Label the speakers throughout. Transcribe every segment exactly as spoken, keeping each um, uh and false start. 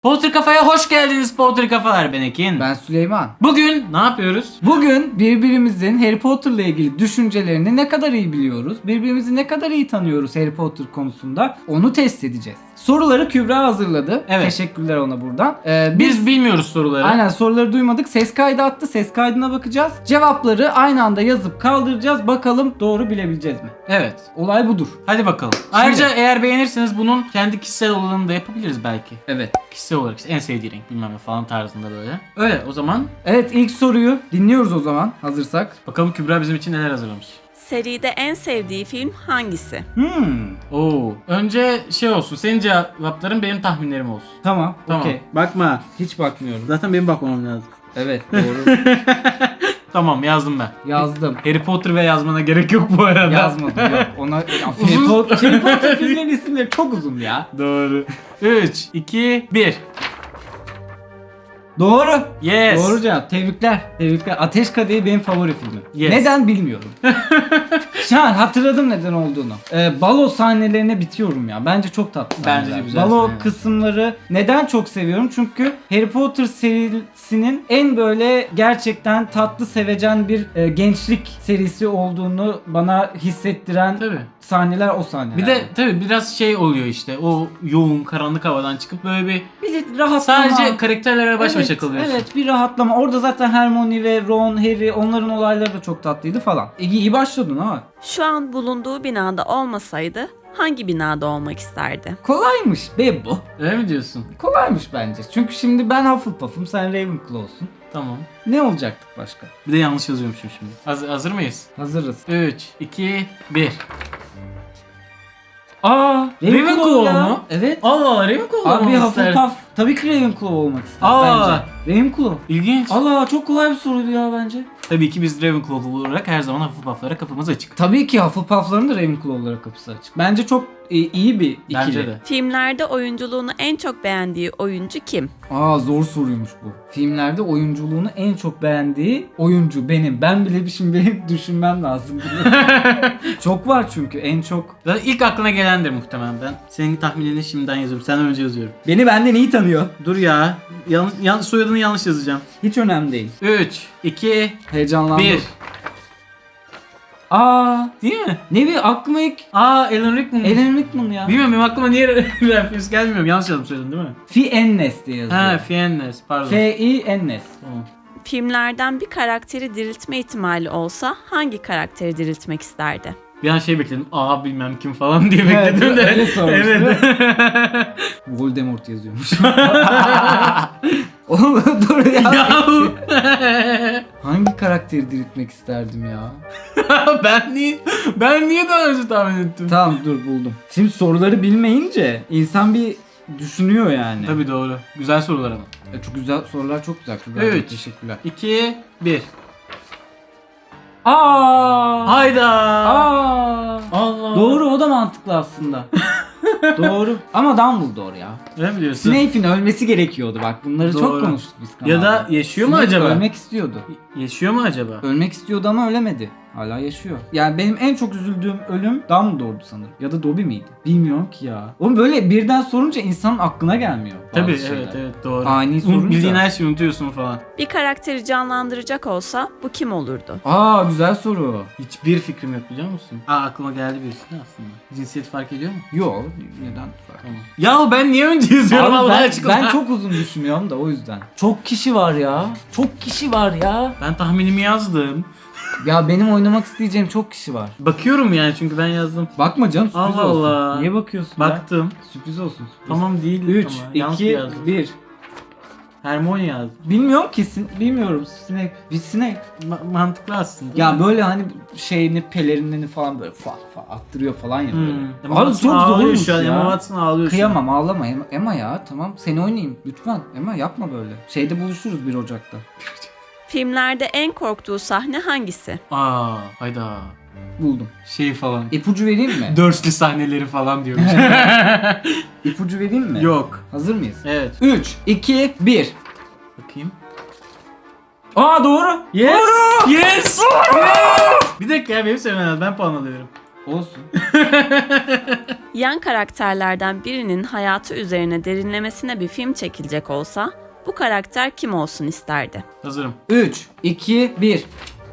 Speaker 1: Potter Kafa'ya hoş geldiniz Potter Kafalar, ben Ekin.
Speaker 2: Ben Süleyman.
Speaker 1: Bugün ne yapıyoruz?
Speaker 2: Bugün birbirimizin Harry Potter'la ilgili düşüncelerini ne kadar iyi biliyoruz, birbirimizi ne kadar iyi tanıyoruz Harry Potter konusunda, onu test edeceğiz. Soruları Kübra hazırladı.
Speaker 1: Evet.
Speaker 2: Teşekkürler ona buradan. Ee,
Speaker 1: Biz,
Speaker 2: biz
Speaker 1: bilmiyoruz soruları.
Speaker 2: aynen soruları duymadık. Ses kaydı attı. Ses kaydına bakacağız. Cevapları aynı anda yazıp kaldıracağız. Bakalım doğru bilebileceğiz mi?
Speaker 1: Evet.
Speaker 2: Olay budur.
Speaker 1: Hadi bakalım. Ayrıca eğer beğenirseniz bunun kendi kişisel olanını da yapabiliriz belki.
Speaker 2: Evet.
Speaker 1: Kişisel olarak işte en sevdiği renk bilmem ne falan tarzında böyle. Öyle o zaman
Speaker 2: Evet, ilk soruyu dinliyoruz o zaman hazırsak.
Speaker 1: bakalım Kübra bizim için neler hazırlamış.
Speaker 3: Seride en sevdiği film hangisi?
Speaker 2: Hmm.
Speaker 1: Oo. Önce şey olsun. Senin cevapların benim tahminlerim olsun.
Speaker 2: Tamam.
Speaker 1: Tamam.
Speaker 2: Okey.
Speaker 1: Bakma.
Speaker 2: Hiç bakmıyorum.
Speaker 1: Zaten benim bakmam lazım.
Speaker 2: Evet, doğru.
Speaker 1: Tamam, yazdım ben.
Speaker 2: Yazdım.
Speaker 1: Harry Potter ve yazmana gerek yok bu arada.
Speaker 2: Yazmadım yok. Ona ya, Harry
Speaker 1: Uzun.
Speaker 2: Potter, Harry Potter filmlerin isimleri çok uzun ya.
Speaker 1: Doğru. üç, iki, bir.
Speaker 2: Doğru.
Speaker 1: Yes.
Speaker 2: Doğru cevap. Tebrikler. Tebrikler. Ateş Kadehi benim favori filmim.
Speaker 1: Yes.
Speaker 2: Neden bilmiyorum. Şu an hatırladım neden olduğunu. Ee, balo sahnelerine bitiyorum ya. Bence çok tatlı
Speaker 1: Bence de
Speaker 2: sahneler.
Speaker 1: güzel
Speaker 2: Balo
Speaker 1: sahneler.
Speaker 2: kısımları neden çok seviyorum? Çünkü Harry Potter serisinin en böyle gerçekten tatlı sevecen bir e, gençlik serisi olduğunu bana hissettiren
Speaker 1: Tabii.
Speaker 2: sahneler o sahneler.
Speaker 1: Bir de tabii biraz şey oluyor işte, o yoğun karanlık havadan çıkıp böyle bir
Speaker 2: bir de rahatlama.
Speaker 1: sadece karakterlerle baş başa
Speaker 2: Evet,
Speaker 1: kalıyorsun.
Speaker 2: evet, bir rahatlama. Orada zaten Hermione ve Ron, Harry, onların olayları da çok tatlıydı falan. İyi, iyi başladın ha.
Speaker 3: Şu an bulunduğu binada olmasaydı hangi binada olmak isterdi?
Speaker 2: Kolaymış be bu.
Speaker 1: Öyle mi diyorsun?
Speaker 2: Kolaymış bence. Çünkü şimdi ben Hufflepuff'um, sen Ravenclaw'sun.
Speaker 1: Tamam.
Speaker 2: Ne olacaktık başka?
Speaker 1: Bir de yanlış yazıyormuşum şimdi. Hazır, hazır mıyız?
Speaker 2: Hazırız.
Speaker 1: üç, iki, bir.
Speaker 2: Aa,
Speaker 1: Ravenclaw
Speaker 2: ya.
Speaker 1: mu?
Speaker 2: Evet.
Speaker 1: Allah Allah, Ravenclaw
Speaker 2: Abi
Speaker 1: olmak ister.
Speaker 2: Hufflepuff tabii ki Ravenclaw olmak ister
Speaker 1: Aa.
Speaker 2: bence. Ravenclaw.
Speaker 1: İlginç.
Speaker 2: Allah, çok kolay bir soruydu ya bence.
Speaker 1: Tabii ki biz Ravenclaw olarak her zaman Hufflepuff'lara kapımız açık.
Speaker 2: Tabii ki Hufflepuff'ların da Ravenclaw'lara kapısı açık. Bence çok e, iyi bir ikili.
Speaker 1: Bence de.
Speaker 3: Filmlerde oyunculuğunu en çok beğendiği oyuncu kim?
Speaker 2: Aa, zor soruymuş bu. Filmlerde oyunculuğunu en çok beğendiği oyuncu benim. Ben bile bir şimdi benim düşünmem lazım. Çok var çünkü en çok.
Speaker 1: Zaten ilk aklına gelendir muhtemelen ben. Senin tahminini şimdiden yazıyorum. Senden önce yazıyorum.
Speaker 2: Beni benden iyi tanıyor.
Speaker 1: Dur ya. Yanlış, yan, soyadını yanlış yazacağım.
Speaker 2: Hiç önemli değil.
Speaker 1: üç, iki,
Speaker 2: Heyecanlandım.
Speaker 1: bir.
Speaker 2: Aa,
Speaker 1: Değil mi?
Speaker 2: ne bir aklıma ilk
Speaker 1: Aa, Alan Rickman.
Speaker 2: Alan Rickman ya.
Speaker 1: Bilmiyorum, benim aklıma niye referans gelmiyor. Yanlış yazdım, söyledin değil mi?
Speaker 2: Fiennes diye yazıyor.
Speaker 1: Ha, Fiennes, pardon.
Speaker 2: F-I-N-S.
Speaker 1: Tamam.
Speaker 3: Filmlerden bir karakteri diriltme ihtimali olsa hangi karakteri diriltmek isterdi?
Speaker 1: Bir an şey bekledim. Aa, bilmem kim falan diye
Speaker 2: Evet,
Speaker 1: bekledim de.
Speaker 2: öyle sormuştu.
Speaker 1: Evet.
Speaker 2: Voldemort yazıyormuş. Oğlum dur ya.
Speaker 1: Yahu.
Speaker 2: Hangi karakteri diriltmek isterdim ya?
Speaker 1: ben niye ben niye daha önce tahmin ettim?
Speaker 2: Tamam, dur buldum. Şimdi soruları bilmeyince insan bir düşünüyor yani.
Speaker 1: Tabii doğru. Güzel sorular ama.
Speaker 2: E, çok güzel sorular, çok güzel. Çok
Speaker 1: Evet.
Speaker 2: Teşekkürler.
Speaker 1: iki, bir.
Speaker 2: Aa!
Speaker 1: Hayda.
Speaker 2: Aa!
Speaker 1: Allah.
Speaker 2: Doğru, o da mantıklı aslında. Doğru. Ama Dumbledore ya.
Speaker 1: Ne biliyorsun?
Speaker 2: Snape'in ölmesi gerekiyordu bak. Bunları çok
Speaker 1: Doğru.
Speaker 2: konuştuk biz
Speaker 1: Ya
Speaker 2: kanalda.
Speaker 1: da yaşıyor mu
Speaker 2: Snape
Speaker 1: acaba?
Speaker 2: ölmek istiyordu.
Speaker 1: Yaşıyor mu acaba?
Speaker 2: Ölmek istiyordu ama ölemedi. Hala yaşıyor. Yani benim en çok üzüldüğüm ölüm Dumbledore'du sanırım. Ya da Dobby miydi? Bilmiyorum ki ya. Oğlum böyle birden sorunca insanın aklına gelmiyor bazı
Speaker 1: Tabii,
Speaker 2: şeyler.
Speaker 1: evet evet doğru.
Speaker 2: Ani
Speaker 1: Un-
Speaker 2: sorunca.
Speaker 1: Bildiğin her şeyi unutuyorsun falan.
Speaker 3: Bir karakteri canlandıracak olsa bu kim olurdu?
Speaker 2: Aa, güzel soru.
Speaker 1: Hiçbir fikrim yok, biliyor musun? Aa, aklıma geldi birisi de aslında. Cinsiyet fark ediyor mu?
Speaker 2: Yok, neden?
Speaker 1: Tamam. Ya ben niye önce yazıyorum
Speaker 2: Abi
Speaker 1: Allah
Speaker 2: ben,
Speaker 1: aşkına?
Speaker 2: ben çok uzun düşünüyorum da o yüzden. Çok kişi var ya. Çok kişi var ya.
Speaker 1: Ben tahminimi yazdım.
Speaker 2: Ya benim oynamak isteyeceğim çok kişi var.
Speaker 1: Bakıyorum yani, çünkü ben yazdım.
Speaker 2: Bakma canım, sürpriz
Speaker 1: Allah
Speaker 2: olsun.
Speaker 1: Allah.
Speaker 2: Niye bakıyorsun ya?
Speaker 1: Baktım.
Speaker 2: Sürpriz olsun. Sürpriz.
Speaker 1: Tamam değil.
Speaker 2: üç,
Speaker 1: ama yanlış
Speaker 2: iki,
Speaker 1: yazdım.
Speaker 2: bir.
Speaker 1: Hermione yazdım.
Speaker 2: Bilmiyorum kesin. Bilmiyorum. Snape. Bir Snape.
Speaker 1: Ma- mantıklı aslında.
Speaker 2: Ya böyle hani şeyini, pelerinlerini falan böyle fa fa attırıyor falan ya böyle.
Speaker 1: Hmm.
Speaker 2: Abi
Speaker 1: Emma
Speaker 2: çok
Speaker 1: Watson ağlıyor
Speaker 2: zormuş
Speaker 1: şu an.
Speaker 2: ya.
Speaker 1: Emma Watson ağlıyor şu an.
Speaker 2: Kıyamam, ağlama Emma, Emma ya, tamam seni oynayayım lütfen. Emma yapma böyle. Şeyde buluşuruz bir Ocak'ta.
Speaker 3: Filmlerde en korktuğu sahne hangisi?
Speaker 1: Aa, hayda.
Speaker 2: Buldum.
Speaker 1: Şey falan.
Speaker 2: İpucu vereyim mi?
Speaker 1: Dursley sahneleri falan diyormuş.
Speaker 2: İpucu vereyim mi?
Speaker 1: Yok.
Speaker 2: Hazır mıyız?
Speaker 1: Evet.
Speaker 2: üç, iki, bir.
Speaker 1: Bakayım.
Speaker 2: Aa, doğru.
Speaker 1: Yes.
Speaker 2: Doğru.
Speaker 1: Yes. Yes. Bir dakika ya, benim söylemem lazım. Ben puan alıyorum.
Speaker 2: Olsun.
Speaker 3: Yan karakterlerden birinin hayatı üzerine derinlemesine bir film çekilecek olsa bu karakter kim olsun isterdi?
Speaker 1: Hazırım.
Speaker 2: üç, iki, bir.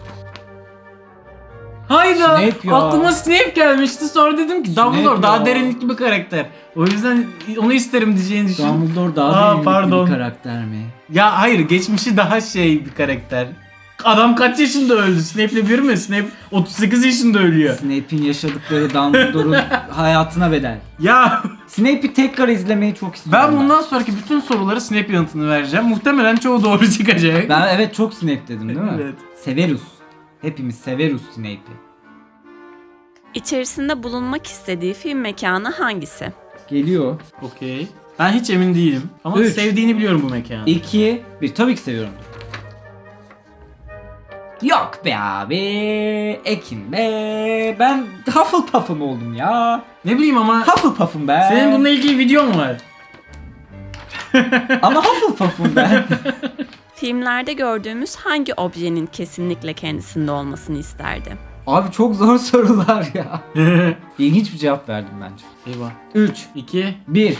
Speaker 1: Hayda!
Speaker 2: Snape ya.
Speaker 1: Aklıma Snape gelmişti. Sonra dedim ki
Speaker 2: Snape
Speaker 1: Dumbledore daha
Speaker 2: ya.
Speaker 1: derinlikli bir karakter. O yüzden onu isterim diyeceğini düşün.
Speaker 2: Dumbledore daha
Speaker 1: Aa,
Speaker 2: derinlikli
Speaker 1: pardon.
Speaker 2: bir karakter mi?
Speaker 1: Ya hayır, geçmişi daha şey bir karakter. Adam kaç yaşında öldü? Snape'le bir mi? Snape otuz sekiz yaşında ölüyor.
Speaker 2: Snape'in yaşadıkları Dumbledore'un hayatına bedel.
Speaker 1: Ya
Speaker 2: Snape'i tekrar izlemeyi çok istiyorum.
Speaker 1: ben bundan sonraki bütün soruları Snape yanıtını vereceğim. Muhtemelen çoğu doğru çıkacak.
Speaker 2: Ben evet çok Snape dedim değil mi?
Speaker 1: Evet.
Speaker 2: Severus. Hepimiz severus Snape'i.
Speaker 3: İçerisinde bulunmak istediği film mekanı hangisi?
Speaker 2: Geliyor.
Speaker 1: Okey. Ben hiç emin değilim. Ama
Speaker 2: Üç.
Speaker 1: sevdiğini biliyorum bu mekanı.
Speaker 2: iki, bir. Tabii ki seviyorum. Yok be abi. Ekin be. Ben Hufflepuff'um oldum ya.
Speaker 1: Ne bileyim ama
Speaker 2: Hufflepuff'um ben.
Speaker 1: senin bununla ilgili videon var.
Speaker 2: Ama Hufflepuff'um ben.
Speaker 3: Filmlerde gördüğümüz hangi objenin kesinlikle kendisinde olmasını isterdi?
Speaker 2: Abi çok zor sorular ya. İlginç bir cevap verdim bence.
Speaker 1: Eyvah.
Speaker 2: üç,
Speaker 1: iki.
Speaker 2: bir.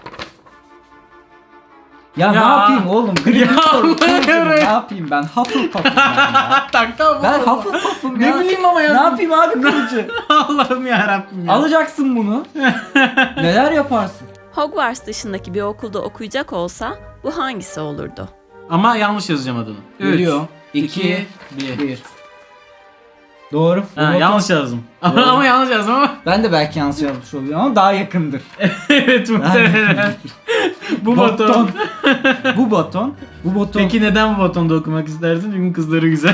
Speaker 2: Ya,
Speaker 1: Ya.
Speaker 2: ne yapayım oğlum?
Speaker 1: Ya
Speaker 2: Gryffindor,
Speaker 1: Allah'ım.
Speaker 2: ne yapayım ben? Hufflepuff'um ben ya.
Speaker 1: tak tak.
Speaker 2: Ben Hufflepuff'um ya.
Speaker 1: Ne bileyim ama ya.
Speaker 2: Ne yapayım abi kılıcı?
Speaker 1: Allah'ım yarabbim ya.
Speaker 2: Alacaksın bunu. Neler yaparsın?
Speaker 3: Hogwarts dışındaki bir okulda okuyacak olsa bu hangisi olurdu?
Speaker 1: Ama yanlış yazacağım adını.
Speaker 2: Geliyor.
Speaker 1: iki,
Speaker 2: iki,
Speaker 1: bir.
Speaker 2: bir. Doğru.
Speaker 1: Ha,
Speaker 2: Roboton-
Speaker 1: yanlış yazdım.
Speaker 2: Doğru.
Speaker 1: ama yanlış yazdım ama.
Speaker 2: Ben de belki yanlış yazmış oluyorum ama daha yakındır.
Speaker 1: evet muhtemelen. bu baton.
Speaker 2: Bu baton. Bu baton.
Speaker 1: Peki neden bu batonda okumak istersin? Çünkü kızları güzel.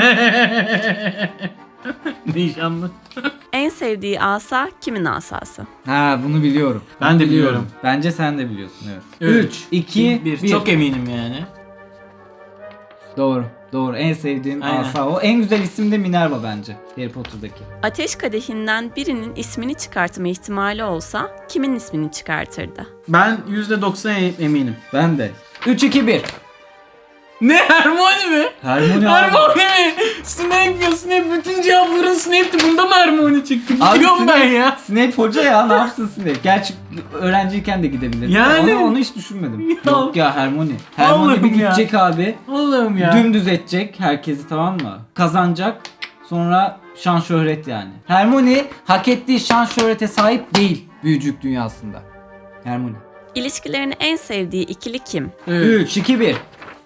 Speaker 1: Nişanlı.
Speaker 3: En sevdiği asa kimin asası?
Speaker 2: Ha bunu biliyorum.
Speaker 1: Ben
Speaker 2: Bunu
Speaker 1: de biliyorum.
Speaker 2: Bence sen de biliyorsun evet.
Speaker 1: Evet.
Speaker 2: üç, iki,
Speaker 1: bir.
Speaker 2: bir.
Speaker 1: Çok eminim yani.
Speaker 2: Doğru. Doğru. En sevdiğim
Speaker 1: Aynen.
Speaker 2: asa o. En güzel isim de Minerva bence. Harry Potter'daki.
Speaker 3: Ateş kadehinden birinin ismini çıkartma ihtimali olsa kimin ismini çıkartırdı?
Speaker 1: Ben yüzde doksan eminim.
Speaker 2: Ben de. üç, iki, bir.
Speaker 1: Ne? Hermione mi?
Speaker 2: Hermione abi.
Speaker 1: Hermione mi? Snape ya Snape. Bütün cevapların Snape'ti. Bunda mı Hermione çıktı?
Speaker 2: Abi
Speaker 1: Gidiyorum ben
Speaker 2: Snape-
Speaker 1: ya.
Speaker 2: Snape hoca ya ne yapsın Snape? Gerçi öğrenciyken de gidebilir.
Speaker 1: Yani.
Speaker 2: Onu, onu hiç düşünmedim.
Speaker 1: Ya.
Speaker 2: Yok ya Hermione. Hermione
Speaker 1: Allah'ım
Speaker 2: bir
Speaker 1: ya.
Speaker 2: gidecek abi.
Speaker 1: Allah'ım ya.
Speaker 2: Dümdüz edecek herkesi tamam mı? Kazanacak. Sonra şan şöhret yani. Hermione hak ettiği şan şöhrete sahip değil büyücülük dünyasında. Hermione.
Speaker 3: İlişkilerini en sevdiği ikili kim?
Speaker 1: Evet.
Speaker 2: üç, iki, bir.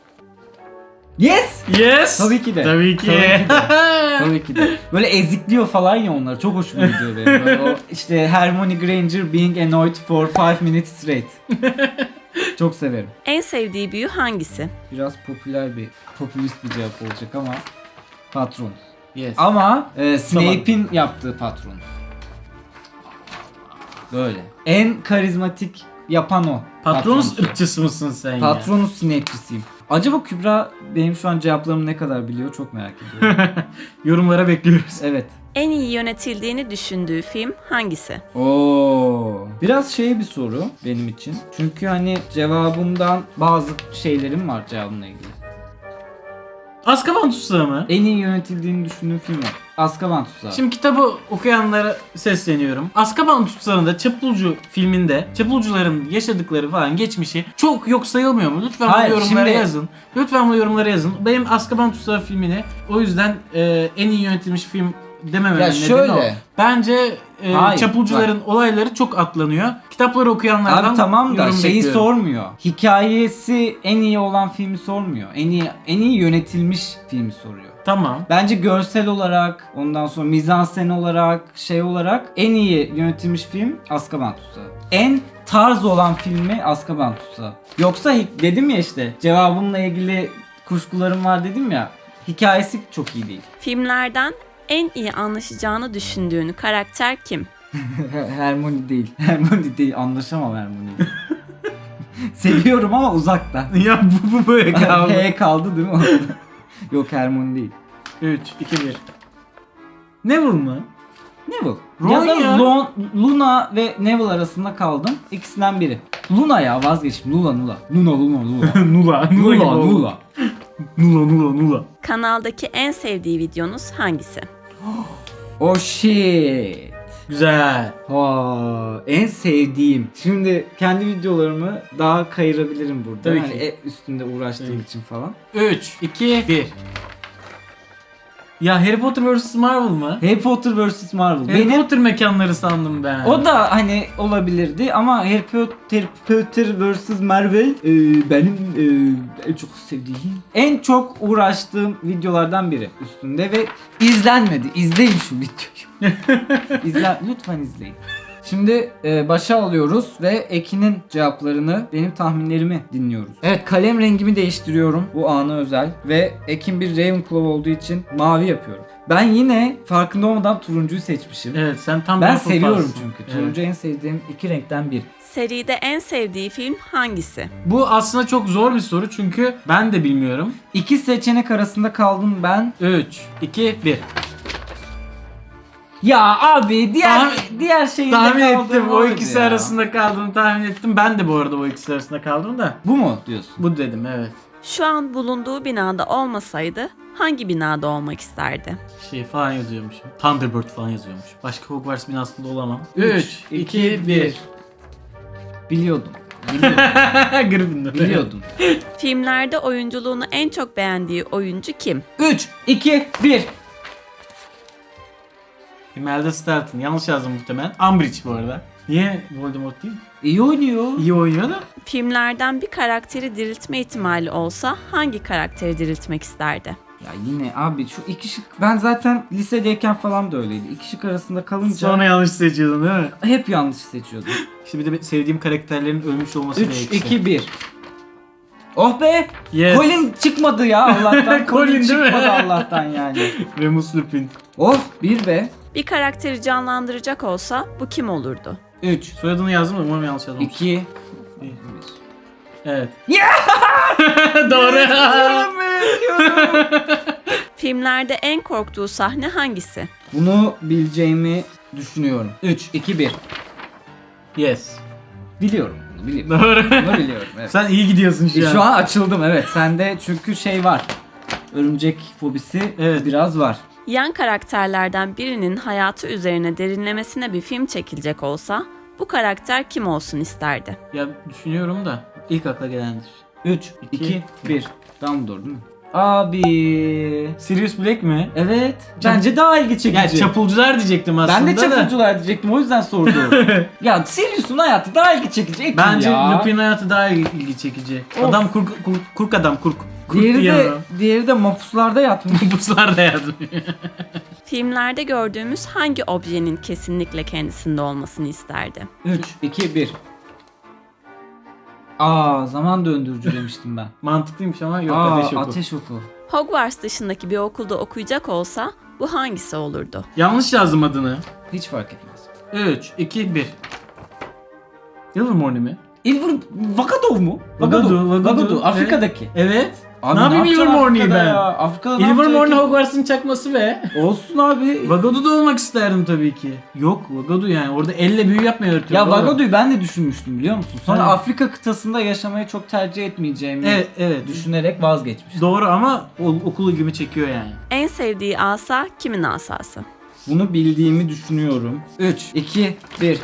Speaker 2: Yes!
Speaker 1: Yes.
Speaker 2: Tabii ki de.
Speaker 1: Tabii ki.
Speaker 2: Tabii ki de. Tabii ki de. Böyle ezikliyor falan ya onları. Çok hoşuma gidiyor benim. Böyle o işte Hermione Granger being annoyed for five minutes straight. Çok severim.
Speaker 3: En sevdiği büyü hangisi?
Speaker 2: Biraz popüler bir, popülist bir cevap olacak ama Patronus.
Speaker 1: Yes.
Speaker 2: Ama e, Snape'in yaptığı Patronus. Böyle. En karizmatik yapan o.
Speaker 1: Patronus
Speaker 2: Patronus'u.
Speaker 1: ırkçısı mısın sen ya?
Speaker 2: Patronus Snape'cisiyim. Acaba Kübra benim şu an cevaplarımı ne kadar biliyor çok merak ediyorum.
Speaker 1: Yorumlara bekliyoruz.
Speaker 2: Evet.
Speaker 3: En iyi yönetildiğini düşündüğü film hangisi?
Speaker 2: Oo. Biraz şey bir soru benim için. Çünkü hani cevabımdan bazı şeylerim var cevabımla ilgili.
Speaker 1: Azkaban Tutsağı mı?
Speaker 2: En iyi yönetildiğini düşündüğüm film var. Azkaban Tutsağı.
Speaker 1: Şimdi kitabı okuyanlara sesleniyorum. Azkaban Tutsağı'nda Çapulcu filminde Çapulcuların yaşadıkları falan geçmişi çok yok sayılmıyor mu? Lütfen
Speaker 2: Hayır,
Speaker 1: bu yorumlara
Speaker 2: şimdi-
Speaker 1: yazın. Lütfen bu yorumlara yazın. Benim Azkaban Tutsağı filmini o yüzden e, en iyi yönetilmiş film demememin
Speaker 2: Ya
Speaker 1: nedeni
Speaker 2: şöyle.
Speaker 1: o. Bence e,
Speaker 2: Hayır,
Speaker 1: Çapulcuların olayları çok atlanıyor. Kitapları okuyanlardan
Speaker 2: Abi tamam da
Speaker 1: yorum
Speaker 2: şeyi
Speaker 1: bekliyorum.
Speaker 2: sormuyor. Hikayesi en iyi olan filmi sormuyor. En iyi en iyi yönetilmiş filmi soruyor.
Speaker 1: Tamam.
Speaker 2: Bence görsel olarak, ondan sonra mizansen olarak, şey olarak en iyi yönetilmiş film Azkaban Tutsağı. En tarz olan filmi Azkaban Tutsağı. Yoksa hi- dedim ya işte cevabımla ilgili kuşkularım var dedim ya. Hikayesi çok iyi değil.
Speaker 3: Filmlerden en iyi anlaşacağını düşündüğün karakter kim?
Speaker 2: Hermione değil. Hermione değil. Anlaşamam Hermione'yle. Seviyorum ama uzaktan.
Speaker 1: ya bu, bu böyle kaldı.
Speaker 2: H kaldı değil mi orada? Yok Hermione değil.
Speaker 1: üç, iki, bir. Neville mı?
Speaker 2: Neville.
Speaker 1: Ron
Speaker 2: ya da
Speaker 1: ya.
Speaker 2: Lon- Luna ve Neville arasında kaldım. İkisinden biri. Luna ya vazgeçtim. Luna Luna. Luna Luna Luna.
Speaker 1: Nula.
Speaker 2: Luna Luna.
Speaker 1: Nula Nula Nula.
Speaker 3: Kanaldaki en sevdiği videonuz hangisi?
Speaker 2: Oh shit.
Speaker 1: Güzel.
Speaker 2: Ha, en sevdiğim. Şimdi kendi videolarımı daha kayırabilirim burada.
Speaker 1: Tabii
Speaker 2: Hani
Speaker 1: ki.
Speaker 2: e- üstünde uğraştığım
Speaker 1: Tabii.
Speaker 2: için falan.
Speaker 1: üç, iki, bir. Ya Harry Potter vs Marvel mı?
Speaker 2: Harry Potter vs Marvel.
Speaker 1: Harry
Speaker 2: Benim
Speaker 1: Potter mekanları sandım ben.
Speaker 2: o da hani olabilirdi ama Harry Potter, Potter vs Marvel e, benim e, en çok sevdiğim, en çok uğraştığım videolardan biri üstünde ve izlenmedi. İzleyin şu videoyu. İzle, lütfen izleyin. Şimdi e, başa alıyoruz ve Ekin'in cevaplarını, benim tahminlerimi dinliyoruz. Evet, kalem rengimi değiştiriyorum bu ana özel ve Ekin bir Ravenclaw olduğu için mavi yapıyorum. Ben yine farkında olmadan turuncuyu seçmişim.
Speaker 1: Evet, sen tam
Speaker 2: Ben
Speaker 1: Hufflepuff'sın.
Speaker 2: seviyorum çünkü.
Speaker 1: Evet.
Speaker 2: Turuncu en sevdiğim iki renkten biri.
Speaker 3: Seride en sevdiği film hangisi?
Speaker 1: Bu aslında çok zor bir soru çünkü ben de bilmiyorum.
Speaker 2: İki seçenek arasında kaldım ben.
Speaker 1: üç, iki, bir.
Speaker 2: Ya abi diğer
Speaker 1: Tahmin-
Speaker 2: diğer şeyinde
Speaker 1: Tahmin
Speaker 2: kaldım
Speaker 1: ettim. O
Speaker 2: oydu
Speaker 1: ikisi
Speaker 2: ya.
Speaker 1: arasında kaldığını tahmin ettim. Ben de bu arada o ikisi arasında kaldım da.
Speaker 2: Bu mu diyorsun?
Speaker 1: Bu dedim, evet.
Speaker 3: Şu an bulunduğu binada olmasaydı hangi binada olmak isterdi?
Speaker 1: Şey falan yazıyormuşum. Thunderbird falan yazıyormuş. Başka Hogwarts binasında olamam.
Speaker 2: Üç,
Speaker 1: üç, iki, bir.
Speaker 2: Biliyordum. Biliyordum.
Speaker 1: Gryffindor.
Speaker 2: Biliyordum.
Speaker 3: Filmlerde oyunculuğunu en çok beğendiği oyuncu kim?
Speaker 2: üç, iki, bir.
Speaker 1: Imelda Staunton. Yanlış yazdım muhtemelen. Umbridge bu arada. Niye Voldemort değil?
Speaker 2: İyi oynuyor.
Speaker 1: İyi oynuyor da.
Speaker 3: Filmlerden bir karakteri diriltme ihtimali olsa hangi karakteri diriltmek isterdi?
Speaker 2: Ya yine abi şu iki şık, ben zaten lisedeyken falan da öyleydi. İki şık arasında kalınca
Speaker 1: Sonra yanlış seçiyordun değil mi?
Speaker 2: hep yanlış seçiyordum.
Speaker 1: İşte bir de sevdiğim karakterlerin ölmüş olması
Speaker 2: üç,
Speaker 1: gerekirse.
Speaker 2: iki, bir. Oh be!
Speaker 1: Yes.
Speaker 2: Colin çıkmadı ya Allah'tan.
Speaker 1: Colin
Speaker 2: Colin
Speaker 1: değil mi?
Speaker 2: çıkmadı Allah'tan yani.
Speaker 1: Remus Lupin.
Speaker 2: Oh, bir be.
Speaker 3: Bir karakteri canlandıracak olsa bu kim olurdu?
Speaker 2: üç,
Speaker 1: Soyadını yazdım da umarım yanlış yazmamışım.
Speaker 2: iki,
Speaker 1: Evet.
Speaker 2: Yeah!
Speaker 1: Doğru.
Speaker 3: Filmlerde en korktuğu sahne hangisi?
Speaker 2: Bunu bileceğimi düşünüyorum. üç, iki, bir.
Speaker 1: Yes.
Speaker 2: Biliyorum bunu, biliyorum.
Speaker 1: Doğru.
Speaker 2: Bunu biliyorum. Evet.
Speaker 1: Sen iyi gidiyorsun şu
Speaker 2: E,
Speaker 1: an.
Speaker 2: şu an açıldım, evet. Sende çünkü şey var. Örümcek fobisi
Speaker 1: Evet.
Speaker 2: biraz var.
Speaker 3: Yan karakterlerden birinin hayatı üzerine derinlemesine bir film çekilecek olsa bu karakter kim olsun isterdi?
Speaker 1: Ya düşünüyorum da ilk akla gelendir.
Speaker 2: üç,
Speaker 1: İki.
Speaker 2: iki, bir. Dumbledore değil mi? Abi.
Speaker 1: Sirius Black mi?
Speaker 2: Evet. Bence daha ilgi çekici.
Speaker 1: Ya çapulcular diyecektim aslında
Speaker 2: ben de
Speaker 1: da.
Speaker 2: çapulcular diyecektim, o yüzden sordum. Ya Sirius'un hayatı daha ilgi çekici. Ekin
Speaker 1: Bence
Speaker 2: ya.
Speaker 1: Lupin hayatı daha ilgi çekici.
Speaker 2: Of.
Speaker 1: Adam kurk, kurk, kurk adam kurk. Kurk
Speaker 2: Diğeri
Speaker 1: diye
Speaker 2: de,
Speaker 1: adam.
Speaker 2: diğeri de mapuslarda yatmış.
Speaker 1: Buzlar da yazmıyor.
Speaker 3: Filmlerde gördüğümüz hangi objenin kesinlikle kendisinde olmasını isterdi?
Speaker 2: üç, iki, bir. Aa, zaman döndürücü demiştim ben.
Speaker 1: Mantıklıymış ama yok,
Speaker 2: Aa,
Speaker 1: ateş oku.
Speaker 2: ateş oku.
Speaker 3: Hogwarts dışındaki bir okulda okuyacak olsa bu hangisi olurdu?
Speaker 1: Yanlış yazdım adını.
Speaker 2: Hiç fark etmez.
Speaker 1: üç, iki, bir. Ilvermorny mi?
Speaker 2: Ilver Vakadov mu?
Speaker 1: Vagadu, Vagadu.
Speaker 2: Afrika'daki.
Speaker 1: Evet.
Speaker 2: Abi
Speaker 1: ne yapayım
Speaker 2: yapacaksın
Speaker 1: Ilvermorny'yi
Speaker 2: Afrika'da
Speaker 1: ben?
Speaker 2: ya? Afrika'da ne
Speaker 1: Ilvermorny
Speaker 2: yapacaksın?
Speaker 1: Hogwarts'ın çakması be.
Speaker 2: Olsun abi.
Speaker 1: Vagadu'da olmak isterdim tabii ki. Yok Vagadu yani orada elle büyü yapmayı öğretiyor.
Speaker 2: Ya
Speaker 1: oğlum.
Speaker 2: Vagadu'yu ben de düşünmüştüm, biliyor musun? Sonra
Speaker 1: Evet.
Speaker 2: Afrika kıtasında yaşamayı çok tercih etmeyeceğimi
Speaker 1: Evet evet.
Speaker 2: düşünerek vazgeçmiştim.
Speaker 1: Doğru ama o- okulu gibi çekiyor yani.
Speaker 3: En sevdiği asa kimin asası?
Speaker 2: Bunu bildiğimi düşünüyorum. üç, iki, bir.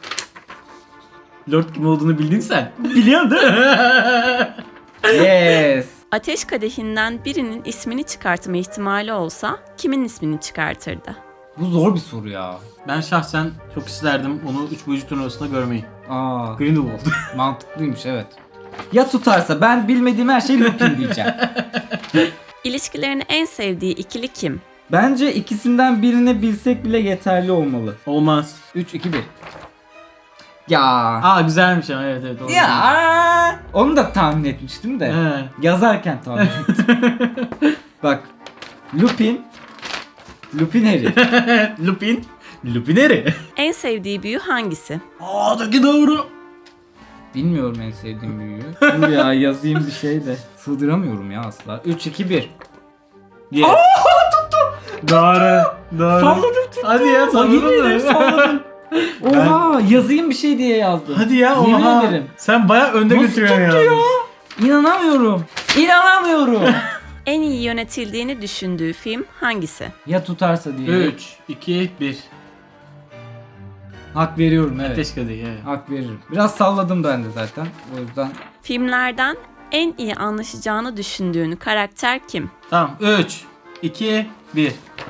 Speaker 1: Lord kim olduğunu bildin sen. Biliyorsun değil mi?
Speaker 2: Yes.
Speaker 3: Ateş kadehinden birinin ismini çıkartma ihtimali olsa kimin ismini çıkartırdı?
Speaker 2: Bu zor bir soru ya.
Speaker 1: Ben şahsen çok isterdim onu üç boyuncu turnuvasında görmeyi.
Speaker 2: Aa,
Speaker 1: Grindelwald.
Speaker 2: mantıklıymış, evet. Ya tutarsa ben bilmediğim her şeyi Lupin diyeceğim.
Speaker 3: İlişkilerini en sevdiği ikili kim?
Speaker 2: Bence ikisinden birini bilsek bile yeterli olmalı.
Speaker 1: Olmaz.
Speaker 2: üç, iki, bir. Ya.
Speaker 1: Aa güzelmiş ama evet evet. Doğru.
Speaker 2: Ya. Onu da tahmin etmiştim de.
Speaker 1: He.
Speaker 2: Yazarken tahmin ettim. Bak. Lupin. Lupin Harry.
Speaker 1: Lupin. Lupineri.
Speaker 3: En sevdiği büyü hangisi?
Speaker 1: Aa da ki doğru.
Speaker 2: Bilmiyorum en sevdiğim büyüyü. Dur ya, yazayım bir şey de. Sığdıramıyorum ya asla. üç, iki, bir.
Speaker 1: Yes. Doğru. Doğru.
Speaker 2: Salladım tuttu.
Speaker 1: Hadi ya
Speaker 2: Yemin
Speaker 1: salladın
Speaker 2: ederim salladım. Oha, yazayım bir şey diye yazdım.
Speaker 1: Hadi ya
Speaker 2: Yemin
Speaker 1: oha.
Speaker 2: ederim.
Speaker 1: Sen baya önde
Speaker 2: Nasıl
Speaker 1: götürüyorsun
Speaker 2: tuttu
Speaker 1: ya.
Speaker 2: ya? İnanamıyorum. İnanamıyorum.
Speaker 3: En iyi yönetildiğini düşündüğü film hangisi?
Speaker 2: Ya tutarsa diye.
Speaker 1: üç, iki, bir.
Speaker 2: Hak veriyorum evet.
Speaker 1: Ateş Kadehi evet.
Speaker 2: Hak veririm. Biraz salladım ben de zaten. O yüzden.
Speaker 3: Filmlerden en iyi anlaşacağını düşündüğün karakter kim?
Speaker 1: Tamam üç, iki, bir.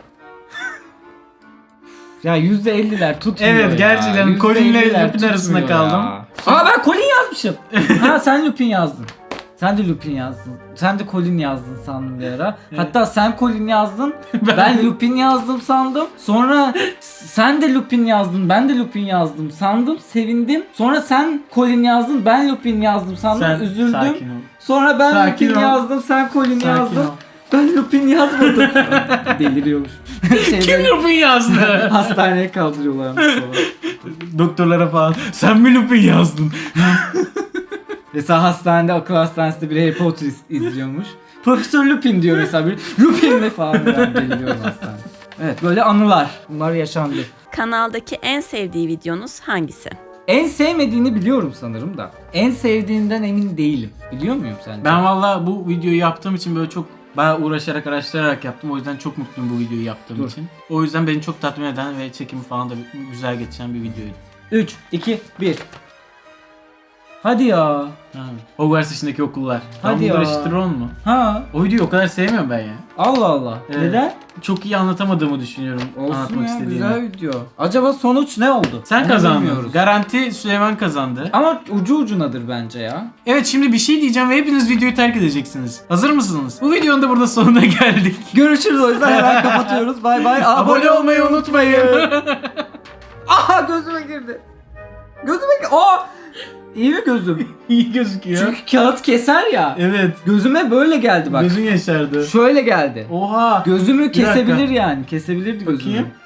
Speaker 2: Ya yüzde elliler tutmuyor
Speaker 1: Evet,
Speaker 2: ya.
Speaker 1: gerçekten
Speaker 2: yüzde
Speaker 1: Colin'le
Speaker 2: elliler
Speaker 1: Lupin arasında
Speaker 2: tutmuyor
Speaker 1: kaldım.
Speaker 2: ya. Aa ben Colin yazmışım. Ha sen Lupin yazdın. Sen de Lupin yazdın. Sen de Colin yazdın sandım bir ara.
Speaker 1: Evet.
Speaker 2: Hatta sen Colin yazdın.
Speaker 1: Ben-
Speaker 2: ben Lupin yazdım sandım. Sonra sen de Lupin yazdın. Ben de Lupin yazdım sandım. Sevindim. Sonra sen Colin yazdın. Ben Lupin yazdım sandım.
Speaker 1: Sen
Speaker 2: Üzüldüm.
Speaker 1: sakin ol.
Speaker 2: Sonra ben
Speaker 1: Sakin
Speaker 2: Lupin
Speaker 1: ol.
Speaker 2: yazdım. Sen Colin
Speaker 1: Sakin
Speaker 2: yazdın.
Speaker 1: ol.
Speaker 2: Ben Lupin yazmadım. Deliriyormuş.
Speaker 1: Kim
Speaker 2: Şeyleri-
Speaker 1: Lupin yazdı?
Speaker 2: Hastaneye kaldırıyorlarmış falan.
Speaker 1: Doktorlara falan. Sen mi Lupin yazdın?
Speaker 2: Mesela hastanede, akıl hastanesinde bir Harry Potter iz- izliyormuş. Profesör Lupin diyor mesela bir. Lupin mi falan ben deliriyorum hastanede. Evet böyle anılar. Bunlar yaşandı.
Speaker 3: Kanaldaki en sevdiği videonuz hangisi?
Speaker 2: En sevmediğini biliyorum sanırım da. En sevdiğinden emin değilim. Biliyor muyum sence?
Speaker 1: Ben valla bu videoyu yaptığım için böyle çok bayağı uğraşarak araştırarak yaptım. O yüzden çok mutluyum bu videoyu yaptığım
Speaker 2: Dur.
Speaker 1: için. O yüzden beni çok tatmin eden ve çekimi falan da güzel geçen bir videoydu.
Speaker 2: üç, iki, bir. Hadi ya.
Speaker 1: Ha. Hogwarts dışındaki okullar.
Speaker 2: Hadi ya.
Speaker 1: Dumbledore Tron mu?
Speaker 2: Ha.
Speaker 1: O videoyu o kadar sevmiyorum ben ya.
Speaker 2: Allah Allah.
Speaker 1: Evet.
Speaker 2: Neden?
Speaker 1: Çok iyi anlatamadığımı düşünüyorum
Speaker 2: Olsun
Speaker 1: anlatmak
Speaker 2: ya
Speaker 1: istediğimi.
Speaker 2: güzel video. Acaba sonuç ne oldu?
Speaker 1: Sen
Speaker 2: Onu
Speaker 1: kazandın.
Speaker 2: bilmiyoruz.
Speaker 1: Garanti Süleyman kazandı.
Speaker 2: Ama ucu ucunadır bence ya.
Speaker 1: Evet şimdi bir şey diyeceğim ve hepiniz videoyu terk edeceksiniz. Hazır mısınız? Bu videonun da burada sonuna geldik.
Speaker 2: Görüşürüz o yüzden hemen kapatıyoruz. Bay bay.
Speaker 1: Abone olmayı unutmayın.
Speaker 2: Aha gözüme girdi. Gözüme girdi. Aa! İyi mi gözüm?
Speaker 1: İyi gözüküyor.
Speaker 2: Çünkü kağıt keser ya.
Speaker 1: Evet.
Speaker 2: Gözüme böyle geldi bak.
Speaker 1: Gözün yaşardı.
Speaker 2: Şöyle geldi.
Speaker 1: Oha.
Speaker 2: Gözümü
Speaker 1: Bir dakika.
Speaker 2: kesebilir yani. Kesebilirdi gözümü.
Speaker 1: Bakayım.